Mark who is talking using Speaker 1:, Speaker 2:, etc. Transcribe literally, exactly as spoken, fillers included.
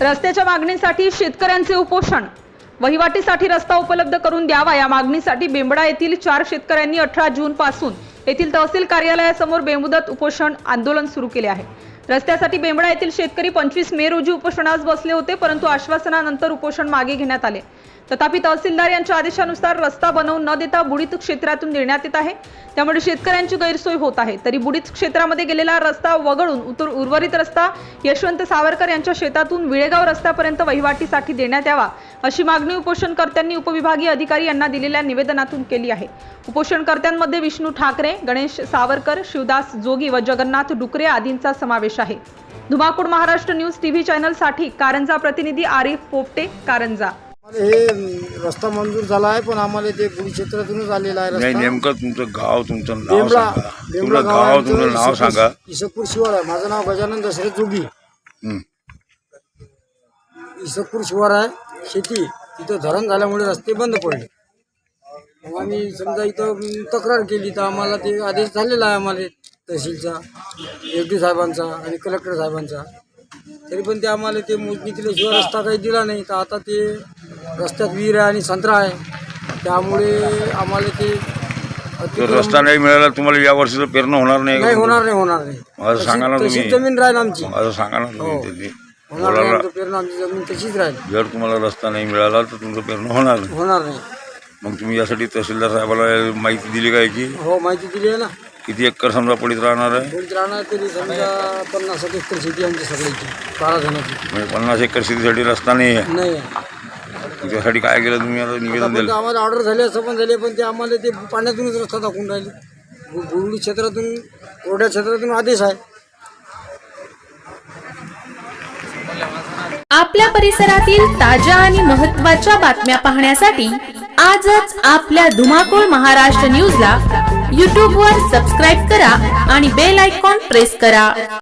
Speaker 1: रस्त्याच्या मागणीसाठी शेतकऱ्यांचे उपोषण। वहिवाटीसाठी रस्ता उपलब्ध करून द्यावा या मागणीसाठी बेंबडा येथील चार शेतकऱ्यांनी अठरा जून पासून येथील तहसील कार्यालयासमोर बेमुदत उपोषण आंदोलन सुरू केले आहे। रस्त्यासाठी बेंबडा येथील शेतकरी पंचवीस मे रोजी उपोषणास बसले होते, परंतु आश्वासनानंतर उपोषण मागे घेण्यात आले। तथापि तहसीलदार यांच्या आदेशानुसार रस्ता बनवून न देता बुडीत क्षेत्रातून देण्यात येत आहे, त्यामुळे शेतकऱ्यांची गैरसोय होत आहे। तरी बुडीत क्षेत्रामध्ये गेलेला रस्ता वगळून उतर उर्वरित रस्ता यशवंत सावरकर यांच्या शेतातून विळेगाव रस्त्यापर्यंत वहिवाटीसाठी देण्यात यावा अशी मागणी उपोषणकर्त्यांनी उपविभागीय अधिकारी यांना दिलेल्या निवेदनातून केली आहे। उपोषणकर्त्यांमध्ये विष्णू ठाकरे, गणेश सावरकर, शिवदास जोगी व जगन्नाथ डुकरे आदींचा समावेश आहे। धुमाकूळ महाराष्ट्र न्यूज टीव्ही चॅनल साठी कारंजा प्रतिनिधी आरिफ पोपटे, कारंजा।
Speaker 2: हे रस्ता मंजूर झाला आहे, पण आम्हाला ते बुडी क्षेत्रातूनच आलेला आहे रस्ता।
Speaker 3: नेमकं तुमचं गाव, तुमचं नाव
Speaker 2: बेंबडा
Speaker 3: सांगा।
Speaker 2: बेंबडा
Speaker 3: तुमचं गाव, तुमचं नाव सांगा।
Speaker 2: इसकपूर शिवार आहे, माझं नाव गजानन दशरथ जोगी। इसकपूर शिवार आहे, शेती तिथं धरण झाल्यामुळे रस्ते बंद पडले। मग आम्ही समजा इथं तक्रार केली तर आम्हाला ते आदेश झालेला आहे, आम्हाला तहसीलचा, एस डी साहेबांचा आणि कलेक्टर साहेबांचा। तरी पण ते आम्हाला ते मोजणी केल्याशिवाय रस्ता काही दिला नाही। तर आता ते रस्त्यात विहीर आहे आणि संत्रा आहे, त्यामुळे आम्हाला ते
Speaker 3: रस्ता नाही मिळाला तुम्हाला या वर्षीचं पेरणं होणार नाही।
Speaker 2: नाही होणार नाही होणार नाही
Speaker 3: माझं सांगा ना तुम्ही।
Speaker 2: जमीन राहील आमची,
Speaker 3: माझं सांगा ना तुम्ही।
Speaker 2: होणार नाही आमचं पेरणं, आमची जमीन तशीच राहील।
Speaker 3: जर तुम्हाला रस्ता नाही मिळाला तर तुमचं पेरणं होणार नाही
Speaker 2: होणार नाही।
Speaker 3: मग तुम्ही यासाठी तहसीलदार साहेबाला माहिती दिली काय की?
Speaker 2: हो, माहिती दिली आहे ना।
Speaker 3: किती एकर समजा पडीत राहणार आहे?
Speaker 2: पडीत राहणार तरी समजा पन्नास एकर शेती आमची सगळ्याची, बारा जणांची।
Speaker 3: म्हणजे पन्नास एकर शेतीसाठी रस्ता नाही आहे?
Speaker 2: नाही,
Speaker 3: त्यासाठी काय केलं तुम्ही? आता निवेदन दिलं?
Speaker 2: आम्हाला ऑर्डर झाली असं पण झाले, पण ते आम्हाला ते पाण्यातूनच रस्ता दाखवून राहिले। बुरुडी क्षेत्रातून, कोरड्या क्षेत्रातून आदेश आहे।
Speaker 4: आपल्या परिसरातील ताज्या आणि महत्त्वाच्या बातम्या पाहण्यासाठी आजच आपल्या धुमाकूळ महाराष्ट्र न्यूजला यूट्यूब वर सबस्क्राईब करा आणि बेल आयकॉन प्रेस करा।